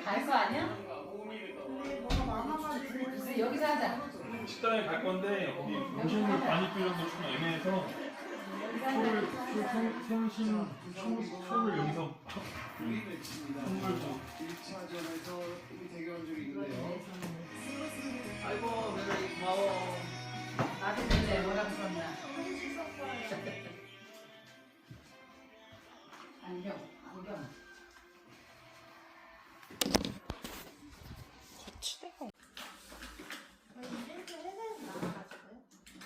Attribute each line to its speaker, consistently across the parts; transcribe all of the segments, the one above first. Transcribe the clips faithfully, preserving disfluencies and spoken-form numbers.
Speaker 1: 갈 거 아니야?
Speaker 2: 근데 뭐가 많아가지고
Speaker 1: 그래서 여기서 하자.
Speaker 3: 식당에 갈 건데 거기 음식물 많이 필요해서 좀 애매해서 표를 표 생- 생신 표- 표를 여기서 선물도
Speaker 4: 일 차전에서 우리 대결한 적이 있는데요.
Speaker 5: 아이고 며느리 고마워.
Speaker 1: 나도 근데 뭐라고 썼나? 안경, 안경.
Speaker 2: 거치대가 저희 이벤트 회사에서 나와가지고요.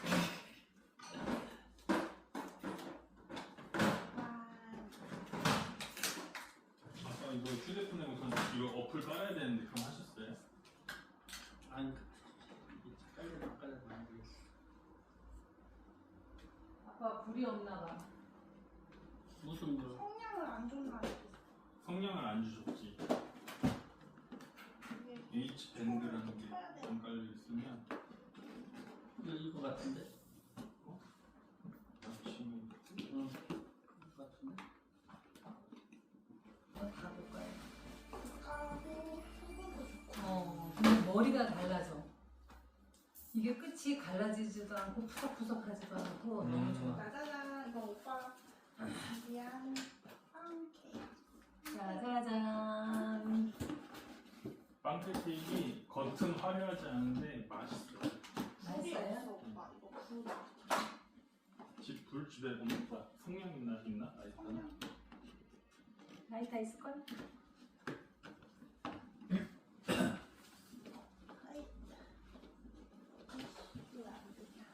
Speaker 3: 아까 이거 휴대폰에 우선 이거 어플 깔아야 되는데 그럼 하셨어요?
Speaker 5: 아니 깔려 안 깔려 안 되겠어.
Speaker 1: 아빠 불이 없나 봐.
Speaker 5: 무슨 거?
Speaker 2: 성량을 안 좋나
Speaker 3: 성냥을 안 주셨지. H 밴드라는 게 좀 깔려 있으면
Speaker 5: 이거 이거 같은데?
Speaker 3: 아침에
Speaker 5: 응. 이거 같은데?
Speaker 1: 가볼까요?
Speaker 2: 까고 수분도 좋고.
Speaker 1: 어, 근데 머리가 달라져. 이게 끝이 갈라지지도 않고 푸석푸석하지도 않고 너무
Speaker 5: 음.
Speaker 1: 좋아.
Speaker 2: 짜자잔 이거 오빠 위한 빵 케이크.
Speaker 1: 짜자잔.
Speaker 3: 빵케이크 겉은 화려하지 않은데 맛있어.
Speaker 2: 불이
Speaker 1: 맛있어요?
Speaker 2: 없어 오빠 이거 불다.
Speaker 3: 집 불 집에 보면 다 성냥 있나 있나? 아 있구나.
Speaker 2: 성냥.
Speaker 1: 라이터 있을걸?
Speaker 2: 아이. 이거 안 되냐.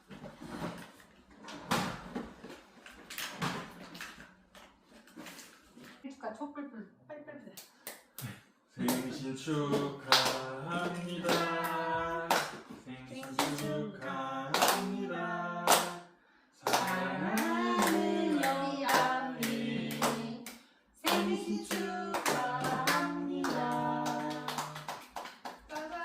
Speaker 1: 해줄까? 촛불불 빨빨빨.
Speaker 3: 생신 축하합니다. 생신 축하합니다. 사랑하는 영감님
Speaker 1: 생신 축하합니다.
Speaker 2: 짜잔.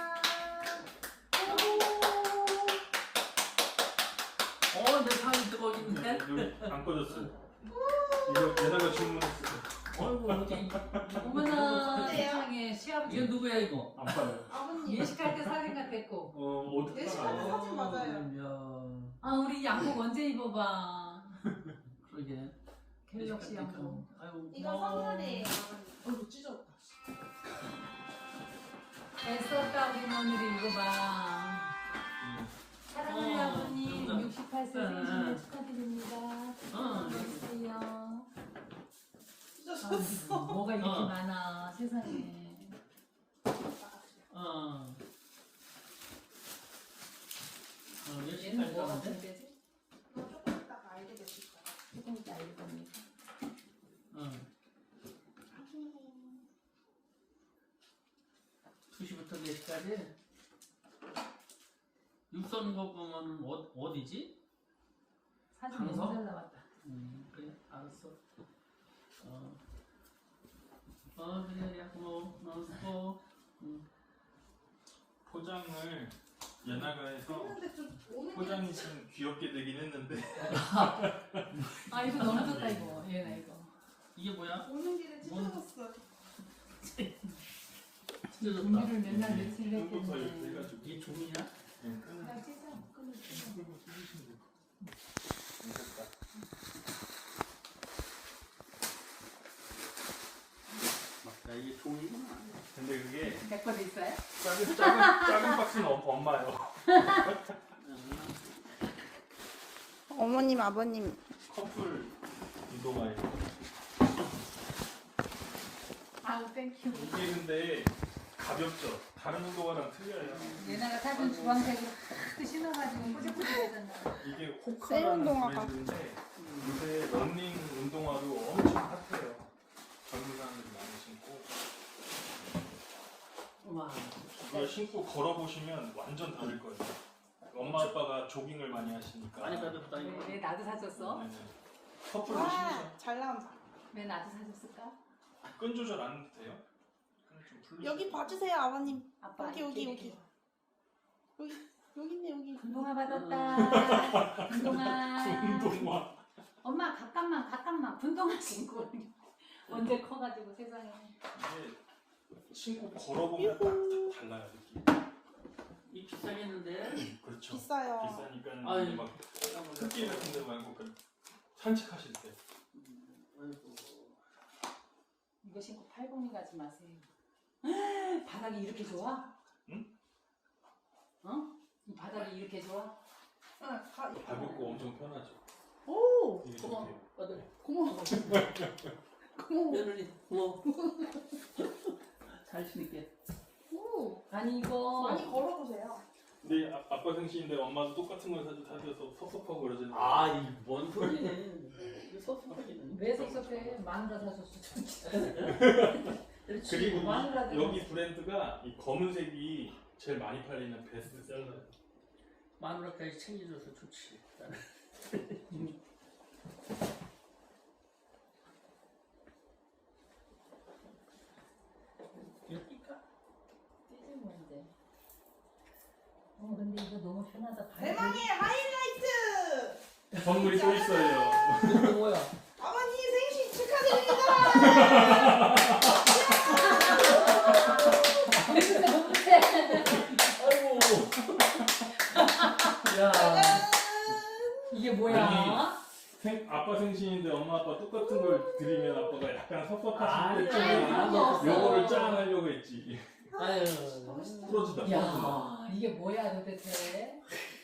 Speaker 5: 어, 내 방이 뜨거워진데?
Speaker 3: 여기 안 꺼졌어요. 이거 얘네가 주문했어요.
Speaker 5: 어이구 어디?
Speaker 1: 어머나
Speaker 2: 어때요?
Speaker 1: 세상에 시아버지
Speaker 5: 이거 누구야 이거?
Speaker 3: 안 빠요.
Speaker 2: 아버님.
Speaker 1: 예식할 때 사진 같았고.
Speaker 3: 어 어떻게
Speaker 2: 예식할 때
Speaker 3: 알아?
Speaker 2: 사진 맞아요.
Speaker 5: 야,
Speaker 1: 아 우리 양복 언제 입어봐.
Speaker 5: 그러게.
Speaker 1: 갤럭시 양복.
Speaker 5: 아이고.
Speaker 2: 이거
Speaker 5: 고마워.
Speaker 2: 선물이에요. 어이구 찢었다.
Speaker 1: 애썼다 우리 며느리 이거 봐. 사랑하는
Speaker 5: 어,
Speaker 1: 아버님
Speaker 5: 그럼요.
Speaker 1: 육십팔 세
Speaker 5: 네.
Speaker 1: 생신 축하드립니다.
Speaker 5: 어.
Speaker 1: 안녕하세요.
Speaker 2: 찢어졌어.
Speaker 1: 뭐가 이렇게
Speaker 5: 어.
Speaker 1: 많아 세상에.
Speaker 5: 어. 어, 열심히
Speaker 1: 얘는 뭐가
Speaker 5: 살자는데?
Speaker 1: 문제지?
Speaker 2: 이거 조금 이따가 알게 되실 거예요.
Speaker 1: 조금 이따 알릴 겁니다.
Speaker 5: 어. 두 시부터 네 시까지? 육선 거 보면 어, 어디지?
Speaker 1: 사진
Speaker 5: 강서?
Speaker 1: 너무 잘 나왔다.
Speaker 5: 음, 그래, 알았어. 어, 어 그래, 야, 고마워. 어, 수고. 음.
Speaker 3: 포장을 예나가 해서
Speaker 2: 근데 좀 오는
Speaker 3: 포장이
Speaker 2: 길에
Speaker 3: 좀 귀엽게 되긴 했는데
Speaker 1: 아 이거 너무 좋다 이거. 얘나 이거.
Speaker 5: 이게 뭐야?
Speaker 2: 오는 길에
Speaker 5: 뭔-
Speaker 2: 찢어졌어.
Speaker 5: 찢어졌다.
Speaker 1: 준비를 맨날 며칠
Speaker 3: 끄고서 이렇게
Speaker 1: 했겠네.
Speaker 3: 해가지고
Speaker 5: 이게 종이야?
Speaker 3: 네, 끄는
Speaker 1: 나 찢어. 끊을 찢어.
Speaker 3: 끄고 찢으시면 돼요. 됐다.
Speaker 5: 맞다, 이게 종이구나.
Speaker 3: 근데 그게
Speaker 1: 내 거도 있어요?
Speaker 3: 작은 작은 작은 박스는 어- 엄마요.
Speaker 2: 어머님 아버님.
Speaker 3: 커플 운동화예요.
Speaker 1: 아우 땡큐.
Speaker 3: 이게 근데 가볍죠. 다른 운동화랑 틀려요.
Speaker 1: 얘네가 사준 주황색으로 탁 신어가지고 뽀짝뽀짝하잖아.
Speaker 3: 이게
Speaker 2: 셀
Speaker 3: 호카라는
Speaker 2: 운동화가.
Speaker 3: 브랜드인데 요새 러닝 운동화로 엄청 핫해요. 젊은 사람들이 많이 신고
Speaker 5: 와,
Speaker 3: 그걸 신고 걸어보시면 완전 다를 거예요. 엄마 아빠가 조깅을 많이 하시니까.
Speaker 5: 많이 가볍다 이거.
Speaker 1: 왜, 왜 나도 사줬어?
Speaker 3: 네네. 커플로 신으셔.
Speaker 2: 와, 잘 나온다.
Speaker 1: 왜 나도 사줬을까?
Speaker 3: 끈 조절 안 해도 돼요? 끈을 좀 풀리시고.
Speaker 2: 여기 봐주세요 아버님.
Speaker 1: 아빠
Speaker 2: 여기, 여기,
Speaker 1: 이렇게
Speaker 2: 여기. 여기 여기 있네 여기.
Speaker 1: 운동화 받았다. 운동화.
Speaker 3: 운동화.
Speaker 1: 엄마 잠깐만 잠깐만 운동화 신고 언제 커가지고 세상에.
Speaker 3: 이게 신고 걸어보면 딱 달라요 느낌.
Speaker 5: 이 비싸겠는데?
Speaker 3: 그렇죠.
Speaker 2: 비싸요.
Speaker 3: 비싸니까
Speaker 5: 아유.
Speaker 3: 막 흙길 같은 데 말고 그 산책하실 때.
Speaker 5: 음, 아이고.
Speaker 1: 이거 신고 팔공이 가지 마세요. 바닥이 이렇게 좋아?
Speaker 3: 응?
Speaker 1: 어? 이 바닥이 이렇게 좋아?
Speaker 2: 응, 가,
Speaker 3: 가볍고 엄청 편하죠.
Speaker 2: 오!
Speaker 3: 이게
Speaker 5: 고마워.
Speaker 3: 좋대요.
Speaker 5: 아들.
Speaker 2: 고마워. 고마워.
Speaker 5: 며느리 고마워. 잘 신을게.
Speaker 2: 오!
Speaker 1: 아니 이거
Speaker 2: 많이 걸어보세요.
Speaker 3: 근데 아, 아빠 생신인데 엄마도 똑같은 걸 사줘 사줘서 섭섭하고 그러잖아요.
Speaker 5: 아, 이 뭔 소리네. 이거 섭섭하기는.
Speaker 1: 왜 섭섭해? 마누라 사줬어.
Speaker 3: 그리고
Speaker 1: 마누라
Speaker 3: 이, 여기 브랜드가 이 검은색이 제일 많이 팔리는 베스트셀러예요.
Speaker 5: 마누라까지 챙겨줘서 좋지. 이거 뛸까?
Speaker 1: 띠지 뭔데? 어 근데 이거 너무 편하다.
Speaker 2: 대망의 하이라이트!
Speaker 3: 선물이 또 있어요.
Speaker 5: 이거 뭐야?
Speaker 2: 아버님 생신 축하드립니다!
Speaker 5: 아이고. 야.
Speaker 1: 이게 뭐야?
Speaker 3: 생, 아빠 생신인데 엄마 아빠 똑같은 걸 드리면 아빠가 약간 섭섭하실 때
Speaker 5: 아니야.
Speaker 1: 그런 거 없어.
Speaker 3: 요거를 짠하려고 했지.
Speaker 5: 아유.
Speaker 3: 풀어주다 풀어주다.
Speaker 1: 야 이게 뭐야 도대체?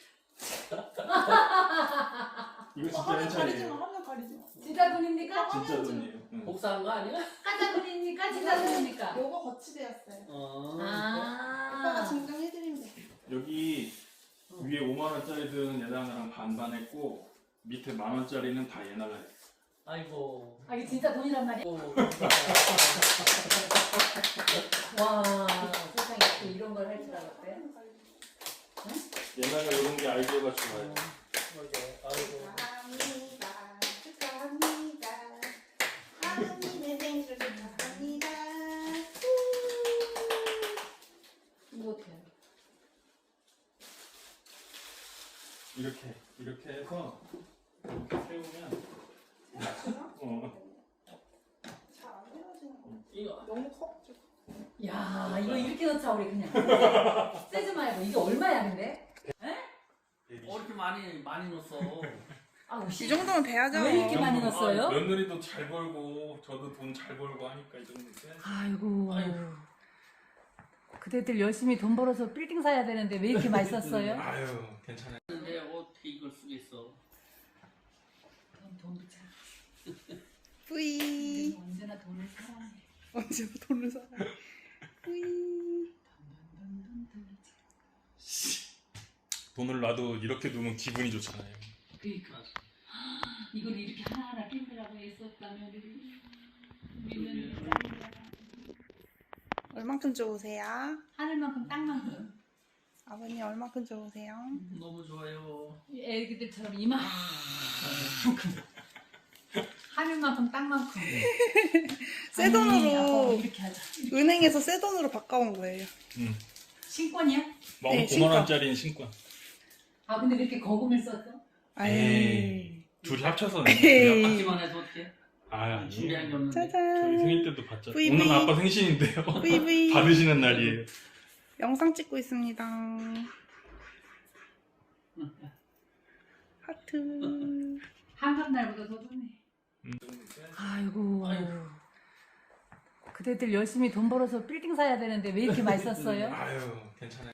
Speaker 3: 이거 진짜
Speaker 2: 화면 가리지 마,
Speaker 3: 괜찮아요.
Speaker 2: 화면 가리지 마.
Speaker 1: 진짜 돈입니까?
Speaker 3: 진짜 돈이에요. 응.
Speaker 5: 복사한 거 아니야?
Speaker 1: 가짜 돈입니까? 진짜 돈입니까?
Speaker 2: 요거 거치대였어요.
Speaker 5: 어.
Speaker 2: 오빠가
Speaker 1: 아
Speaker 2: 증정해드리면 돼.
Speaker 3: 여기 위에 오만 원짜리들은 얘나랑 반반 했고 밑에 만 원짜리는 다 얘나가 했어.
Speaker 5: 아이고.
Speaker 1: 아, 이게 진짜 돈이란 말이야?
Speaker 5: 아이고.
Speaker 1: 와 세상에 또 이런 걸 할 줄 알았대?
Speaker 3: 얘나가 이런 게 아이디어가 좋아요.
Speaker 5: 아이고.
Speaker 2: 축하합니다. 축하합니다. 아버님의 생신 축하합니다.
Speaker 1: 이거 어떻게 해?
Speaker 3: 이렇게 이렇게 해서 이렇게 세우면 어.
Speaker 2: 잘안 헤어지는 거.
Speaker 5: 이거
Speaker 2: 너무 커가지고.
Speaker 1: 야 이거 이렇게 넣자 우리 그냥 쓰지 말고. 이게 얼마야 근데?
Speaker 5: 어, 이렇게 많이 많이 넣었어.
Speaker 1: 아
Speaker 2: 이 정도면 돼야죠.
Speaker 1: 왜 이렇게 많이 넣었어요?
Speaker 3: 며느리도 잘 벌고 저도 돈 잘 벌고 하니까 이 정도 돼.
Speaker 1: 아이고
Speaker 5: 아이고.
Speaker 1: 그대들 열심히 돈 벌어서 빌딩 사야 되는데 왜 이렇게 많이 썼어요?
Speaker 3: 아유 괜찮아요.
Speaker 5: 근데 어떻게 이걸 쓰겠어?
Speaker 1: 돈, 돈 비자.
Speaker 2: 뿌이.
Speaker 1: 언제나 돈을 사랑해.
Speaker 2: 언제 돈을 사요? 뿌이.
Speaker 3: 돈을 놔도 이렇게 두면 기분이 좋잖아요.
Speaker 1: 그러니까 이걸 이렇게 하나하나 끼우라고 했었다면 믿는
Speaker 2: 얼만큼 좋으세요?
Speaker 1: 하늘만큼 땅만큼.
Speaker 2: 아버님 얼만큼 좋으세요?
Speaker 5: 너무 좋아요.
Speaker 1: 애기들처럼 이만큼 하늘만큼 땅만큼.
Speaker 2: 새
Speaker 1: 아니,
Speaker 2: 돈으로
Speaker 1: 아빠 이렇게 하자.
Speaker 2: 은행에서 새 돈으로 바꿔온 거예요.
Speaker 3: 응.
Speaker 1: 신권이야?
Speaker 3: 뭐
Speaker 2: 네,
Speaker 3: 오만 원짜리인 신권.
Speaker 1: 아 근데 왜 이렇게 거금을 썼어?
Speaker 3: 에이. 둘이 합쳐서.
Speaker 2: 에이.
Speaker 5: 받기만 해서 어떻게?
Speaker 3: 아
Speaker 5: 준비한 게 없는데.
Speaker 3: 저희
Speaker 2: 짜잔.
Speaker 3: 생일 때도 받죠.
Speaker 2: 브이
Speaker 3: 오늘
Speaker 2: 브이.
Speaker 3: 아빠 생신인데요.
Speaker 2: 뿌이뿌이.
Speaker 3: 받으시는 날이에요.
Speaker 2: 영상 찍고 있습니다. 하트.
Speaker 1: 한갑 날보다 더 좋네.
Speaker 3: 음.
Speaker 1: 아이고.
Speaker 5: 아이고.
Speaker 1: 그대들 열심히 돈 벌어서 빌딩 사야 되는데 왜 이렇게 많이 썼어요?
Speaker 3: 아유 괜찮아요.